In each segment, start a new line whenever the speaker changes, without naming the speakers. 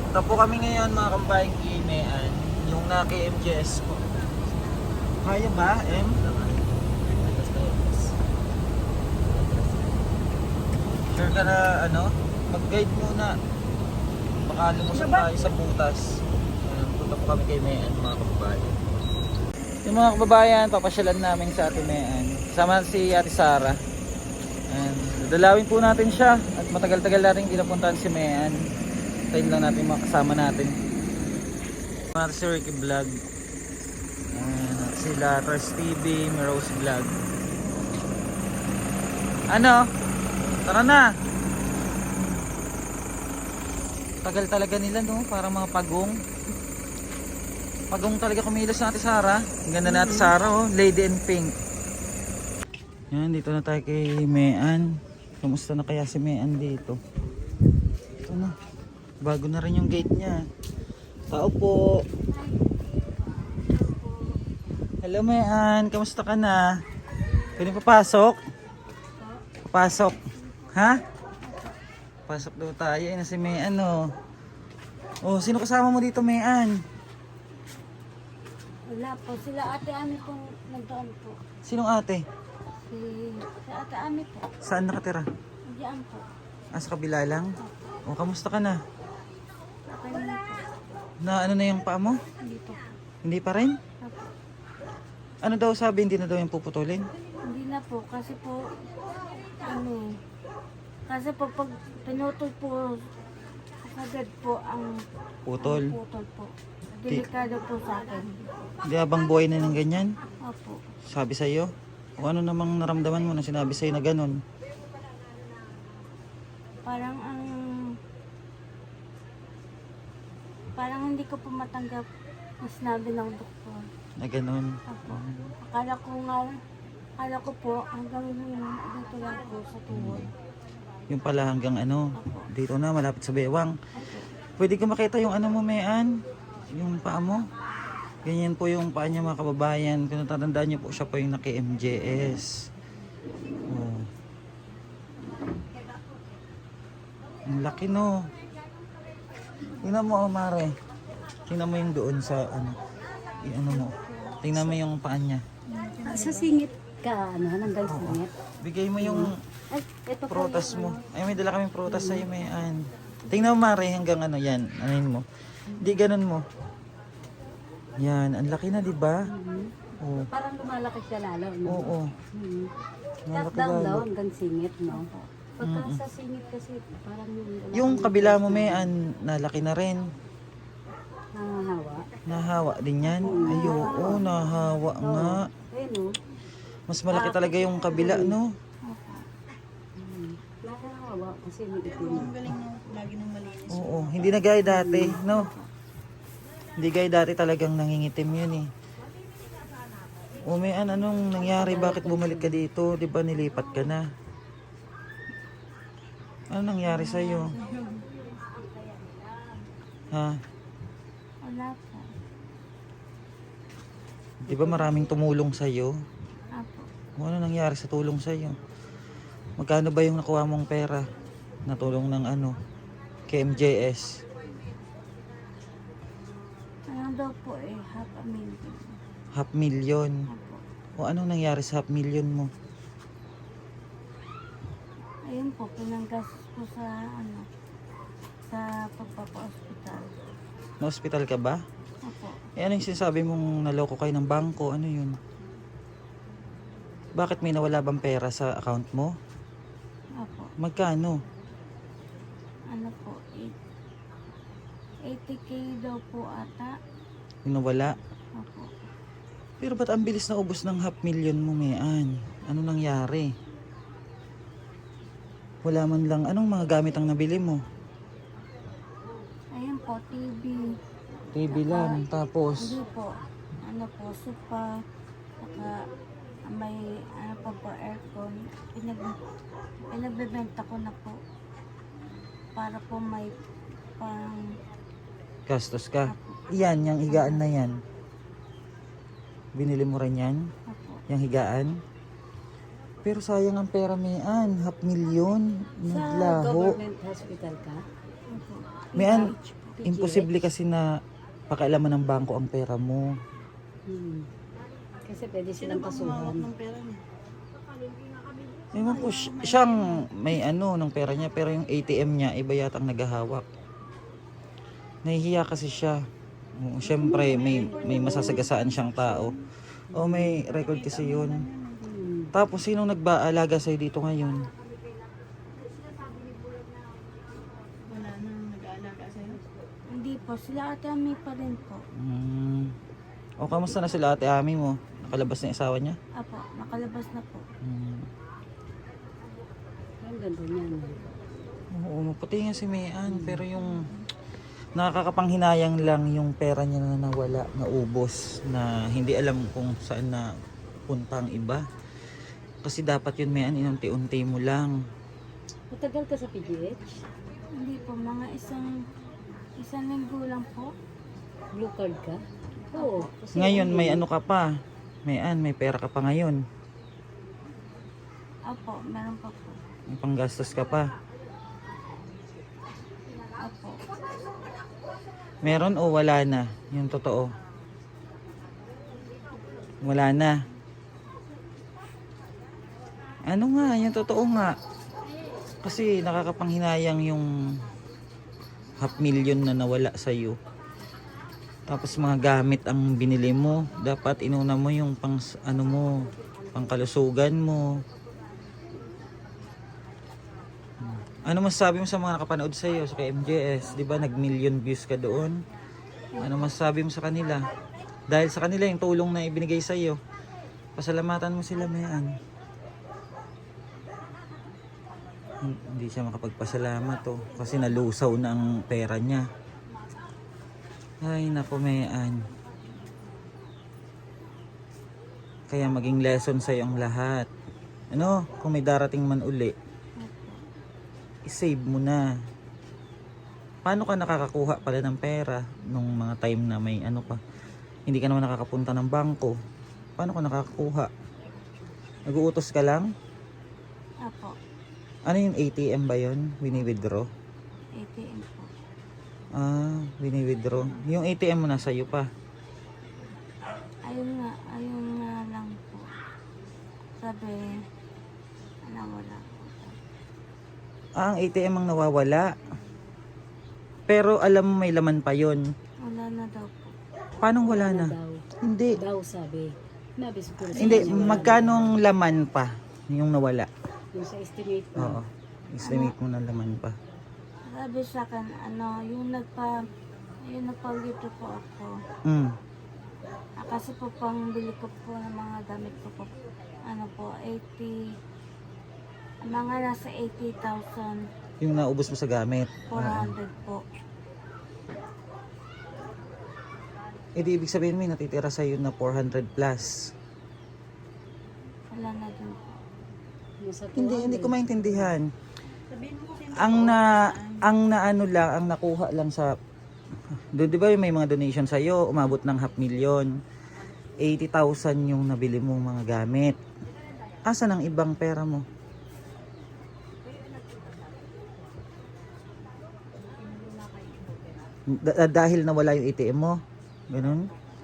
Punta po kami ngayon mga kabayang Kimean, yung naka-MGS po. Kaya ba, M? Sure ka na, mag-guide muna. Baka lumusok tayo sa butas. Punta po kami kay Mean mga kababayan. Yung mga kababayan, papasyalan namin sa Ate Mean. Kasama si Ate Sara. And dadalawin po natin siya. At matagal-tagal natin hindi napuntahan si Mean. Tayo lang natin mga kasama natin. Mga si Ricky Vlog. And sila Tars TV, Rose Vlog. Ano? Tara na! Tagal talaga nila, no? Parang mga pagong. Pagong talaga kumilos na Ate Sara. Ang ganda na Ate Sara, oh. Lady in pink. Yan, dito na tayo kay Mean. Kamusta na kaya si Mean dito? Ito na. Bago na rin yung gate niya. Tao po. Hello Mean, kamusta ka na? Pwede papasok? Papasok. Ha? Pasok daw tayo. Ayun na si Mean, oh. Oh, sino kasama mo dito, Mean?
Wala po. Sila Ate Ami pong nagdoon po.
Sinong ate?
Si Ate Ami po.
Saan nakatira?
Diyan po.
Ah, sa kabila lang? Oh, kamusta ka na?
Okay na po.
Na ano na yung paa mo?
Hindi po.
Hindi pa rin?
Opo.
Ano daw sabi, hindi na daw yung puputulin?
Hindi na po. Kasi po, kasi po pag pinutol po, agad po ang
Putol.
putol po. Delikado po sa akin.
Hindi habang buhay na ng ganyan?
Opo.
Sabi sa'yo? O ano namang naramdaman mo na sinabi sa'yo na ganun?
Parang hindi ko po matanggap na sinabi ng doktor.
Na ganun?
Opo. Akala ko po hanggang dito lang po sa tuhod.
Yung pala hanggang ano?
Opo.
Dito na, malapit sa bewang.
Opo.
Pwede ko makita yung ano mo, Mean? Yung paa mo? Ganyan po yung paa niya mga kababayan. Kung natatandaan niyo po, siya po yung naki-MJS. Oh. Ang laki, no? Tingnan mo, oh, Mare. Tingnan mo yung doon sa ano. Ano mo. Tingnan mo yung paa niya.
Sa singit ka, hanggang singit.
Bigay mo yung
Ay, ito po
prutas
yung
mo. Ay, may dala kaming prutas sa'yo, Mean. Tingnan mo, Mare, hanggang ano yan. Anin mo. Hindi ganun mo. Yan, ang laki na, di ba? Oh.
Parang lumalaki siya lalo, no?
Oo.
Top
Malaki
down daw
lalo.
hanggang singit, no? Pagka sa singit kasi, parang
Yung kabila mo, Mean, nalaki na rin.
nangahawa.
Nahawa din yan. Ay, oo, nahawa nga.
Ayun, no?
Mas malaki talaga yung kabila, no?
Nakakahawa kasi may itim. Ang galing no, lagi nang malinis.
Oo, hindi na gaya dati, no? Hindi gaya dati talagang nangingitim yun eh. O Mean, anong nangyari? Bakit bumalik ka dito? Di ba nilipat ka na? Ano nangyari sa'yo? Ha?
Wala po.
Di ba maraming tumulong sa'yo?
Apo.
O ano nangyari sa tulong sa'yo? Magkano ba yung nakuha mong pera? Natulong ng ano? KMJS.
Ano daw po eh, half a million.
$500,000.
Apo.
O anong nangyari sa $500,000 mo?
Ayun po, pinanggastos po sa sa pagpapa-hospital.
Na-hospital ka ba?
Apo.
Eh ano yung sinasabi mong naloko kayo ng bangko? Ano yun? Bakit may nawala bang pera sa account mo?
Apo.
Magkano?
Ano po, 80K daw po ata.
Yung nawala?
Apo.
Pero ba't ang bilis na ubos ng $500,000 mo, Mean? Ano nangyari? Wala man lang. Anong mga gamit ang nabili mo?
Ayun po, TV.
TV lang. Tapos,
Hindi po. Ano po, sopa. Saka may ano pa po, aircon. Pinagbebenta ko na po. Para po may pang...
gastos ka. Yan, yung higaan na yan. Binili mo rin yan?
Apo.
Yung higaan? Pero sayang ang pera, Mean. $500,000.
Sa
Naglaho.
government hospital ka? Opo.
Mean, imposible kasi na pakialaman ng bangko ang pera mo.
Kasi pwede silang kasuhan.
Ewan ko, siyang may ano ng pera niya, pero yung ATM niya, iba yata ang naghahawak. Nahihiya kasi siya. Siyempre, may masasagasaan siyang tao. O may record kasi yun. Tapos, sinong nagbaalaga sa'yo dito ngayon?
Wala nang nag-aalaga sa'yo?
Hindi po, sila Ate Ami pa rin po.
O, kamusta na sila ate Ami mo? Nakalabas na yung asawa niya?
Apo, nakalabas na po.
Ang ganda niyan.
Oo, pati nga si Mayan, pero yung nakakapanghinayang lang yung pera niya na nawala, naubos, na hindi alam kung saan na punta ang iba. Kasi dapat yun Mayan, inunti-unti mo lang.
Matagal ka sa PGH?
Hindi po, mga isang linggo lang po.
Blue card ka? Oo. Kasi
Ngayon may ano ka pa, Mayan, may pera ka pa ngayon.
Apo, meron pa po.
May panggastos ka pa.
Apo.
Meron o wala na? Yung totoo. Wala na. Ano nga, yung totoo nga. Kasi nakakapanghinayang yung 500,000 na nawala sa'yo. Tapos mga gamit ang binili mo. Dapat inuna mo yung pang, ano mo, pangkalusugan mo. Ano masasabi mo sa mga nakapanood sa iyo sa KMJS? 'Di ba nag-million views ka doon? Ano masasabi mo sa kanila? Dahil sa kanila yung tulong na ibinigay sa iyo. Pasalamatan mo sila, Mayan. Hindi siya makapagpasalamat kasi nalusaw na ang pera niya. Ay, nako, Mayan. Kaya maging lesson sa iyo ang lahat. Ano, kung may darating man uli, i-save mo na. Paano ka nakakakuha pala ng pera nung mga time na may ano pa? Hindi ka naman nakakapunta ng bangko. Paano ka nakakakuha? Nag-uutos ka lang?
Apo,
Ano yung ATM ba yun? Wini-withdraw?
ATM po.
Wini-withdraw. Yung ATM mo nasa iyo pa.
Ayun nga lang po. Sabi, wala po.
Ang ATM ang nawawala. Pero alam mo may laman pa yon.
Wala na daw po.
Paano wala na?
daw.
Hindi.
Daw sabi. Nabis ko
Hindi, magkano ang laman pa yung nawala?
Yung sa estimate mo.
Oo. Estimate mo na laman pa.
Sabi sa akin, yung nagpa-withdraw po ako. Kasi po pang bili ko po ng mga gamit ko po. 80, mga nasa 80,400
Yung naubos mo sa gamit.
po.
Di ibig sabihin may natitira sa'yo na 400 plus.
Wala na din po.
Nasa
Hindi ko maintindihan.
Sabihin mo kasi
Ang nakuha lang sa do, di ba may mga donation sa iyo, umabot ng 500,000. 80,000 yung nabili mong mga gamit. Asan ang ibang pera mo? Dahil nawala yung ATM mo? Ganun?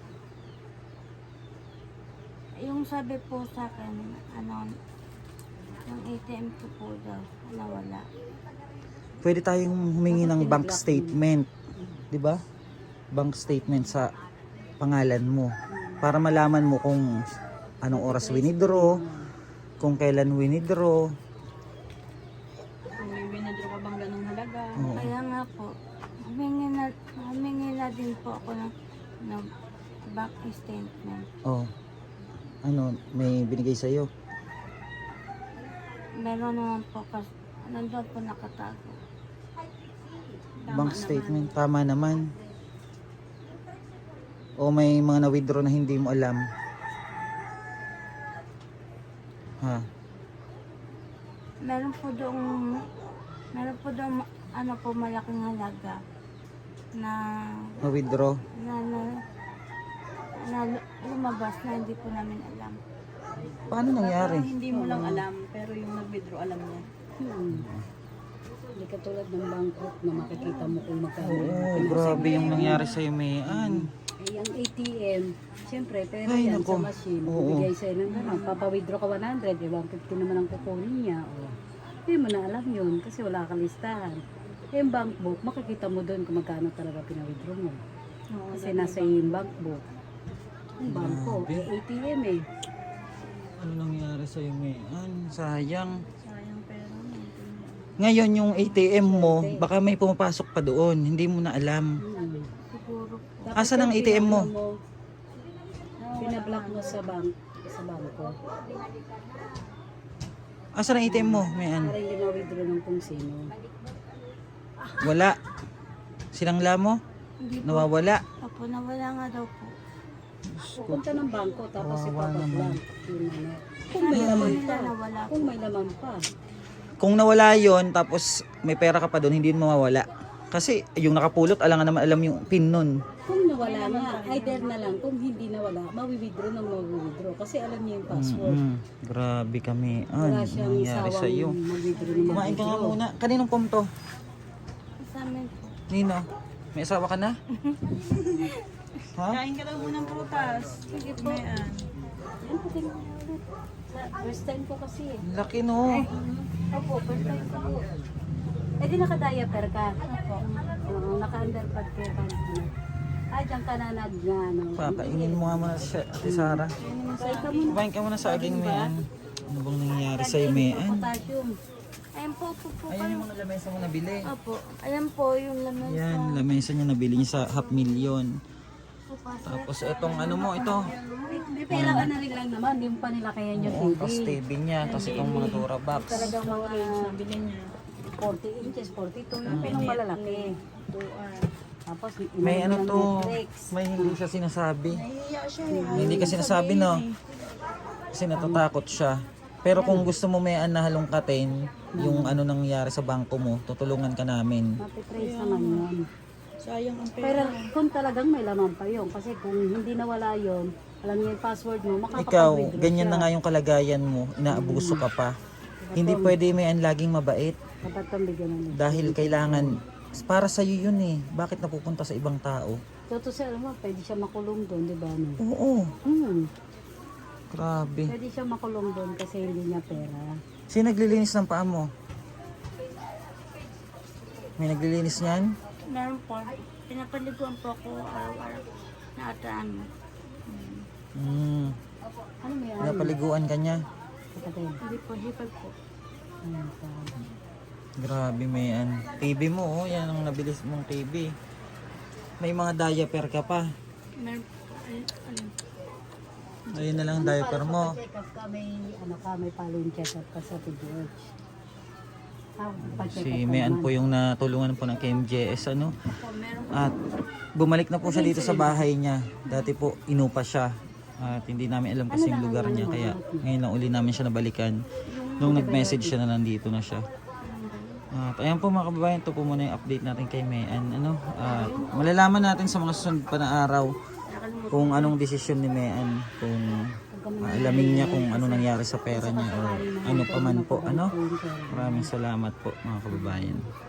Yung sabi po sa akin, yung ATM ko po daw, nawala.
Pwede tayong humingi ng bank statement, 'di ba? Bank statement sa pangalan mo para malaman mo kung anong oras winidraw, kung kailan winidraw.
kung may winadraw ka bang ganong halaga.
Oo.
Kaya nga po, humingi na din po ako ng bank statement.
Oh. Ano, may binigay sa iyo?
Meron naman po kasi nandun po nakatago.
Bank statement, tama naman. O may mga na-withdraw na hindi mo alam? Ha?
Meron po doong malaking halaga na
Na-withdraw?
na lumabas na hindi po namin alam.
Paano nangyari?
Hindi mo lang alam, pero yung nag-withdraw alam niya.
Hindi katulad ng bankrupt na makikita mo kung magkano.
Oo, grabe yung nangyari sa'yo, Mayan.
Eh, yung ATM, siyempre, pero
Ay,
yan
nako.
sa machine,
Oo.
bigay sa'yo ng gano'n. Papa-withdraw ka 100, eh, 150 naman ang kukunin niya. O, hindi mo na alam yun kasi wala kang listahan. Eh, yung bank book, makikita mo doon kung magkano talaga pinawithdraw mo.
Oo,
Kasi nasa yung bank book. Yung bangko,
Grabe.
eh, ATM eh.
Ano nangyari sa'yo, Mayan? Sayang.
sayang pera mo.
Ngayon yung ATM mo, baka may pumapasok pa doon. Hindi mo na alam.
Siguro po.
Dapat
Asan ang
yung
ATM mo?
Pinablock mo sa bangko.
Asan ang ATM mo, Mayan?
Para hindi ma-withdraw ng kung sino.
Wala. Sinangla mo?
Hindi po.
Nawawala.
Opo, nawala nga daw po.
Pupunta ng bangko tapos
Kawawa naman.
ipapablock. Yun ano. Kung may laman
Nila
pa.
nawala po.
Kung may laman pa.
Kung nawala yon tapos may pera ka pa doon, hindi yun mawawala. Kasi yung nakapulot, alam nga naman alam yung pin nun.
Kung nawala nga, either na lang. Kung hindi nawala, mawi-withdraw ng mawi-withdraw. Kasi alam niya yung password.
Grabe kami.
Wala
Ano
siyang
nangyari
sawang
sa'yo?
mag-withdraw ng
Kumain ka nga
mag-withdraw.
muna. Kaninong pom to?
Sa amin po.
Nino? May asawa ka na? Ha?
Kain ka lang muna ng prutas.
Sige po.
Mayan.
Yan, pati mo ulit. First time ko kasi eh.
Laki no.
Opo, first time ko po. Eh di naka-diaper ka? Opo. Oo, naka-underpad ka. Ah, dyan ka na ano.
Papaingin mo nga muna siya, Ate Sara.
Say ka muna.
Kumain ka muna sa aging Mayan. Ano bang nangyayari sa'yo, Mayan?
Potassium.
Ayan po po.
Ayan yung mga lamesa mo nabili.
Opo. Ayan po yung laman
Yan, lamesa niya nabili niya sa 500,000. Tapos itong ano mo, ito.
May pera ka na rin lang naman. Hindi mo pa nilakayan yung TV.
Tapos TV niya, tapos itong mga Durabox.
Talagang mga
Nabili niya.
40 inches, 42 yung pinong malalaki. Tapos
May ano
ng
to,
Netflix.
may hindi siya sinasabi.
Nahihiya siya eh.
May hindi ka sinasabi, no? Kasi natatakot siya. Pero kung gusto mo may na halongkatin, yung ano nangyari sa bangko mo, tutulungan ka namin.
Mapitrace naman yun.
Sayang ang pera.
Pero kung talagang may laman pa yun, kasi kung hindi nawala yun, alam niya yung password mo,
Ikaw,
makakapag-withdraw
ganyan
siya.
na nga yung kalagayan mo, inaabuso ka pa. Hindi pwede may laging mabait
Dapat kang bigyan ng
dahil kailangan, para sa'yo yun eh. Bakit napupunta sa ibang tao?
Totoo siya, alam mo, pwede siya makulong doon, di ba? No?
Oo, grabe.
Pwede siya makulong doon kasi hindi niya pera.
Sino naglilinis ng paa mo? May naglilinis niyan?
Meron po. Pinapaliguan po ako araw-araw na ataan.
Ano may ano?
Napaliguan ka niya.
Kapatid.
Hindi po, hipag po.
Ayun pa.
Grabe, Mayan. TV mo, oh. Yan ang nabilis mong TV. May mga diaper ka pa.
Meron po. Ayun.
Ayun na lang ang diaper mo.
Check up ka, may ano ka, may following check up ka sa PGH.
Si Mayan po yung natulungan po ng KMJS, ano. At bumalik na po siya dito sa bahay niya. Dati po, inupa siya. At hindi namin alam kasi yung lugar niya. Kaya ngayon lang uli namin siya nabalikan. Nung nag-message siya na nandito na siya. At ayan po mga kababayan, ito po muna yung update natin kay Mayan. Ano, malalaman natin sa mga susunod pa na araw kung anong desisyon ni Mayan. Kung alamin niya kung ano nangyari sa pera niya o ano pa man po. Ano? Maraming salamat po mga kababayan.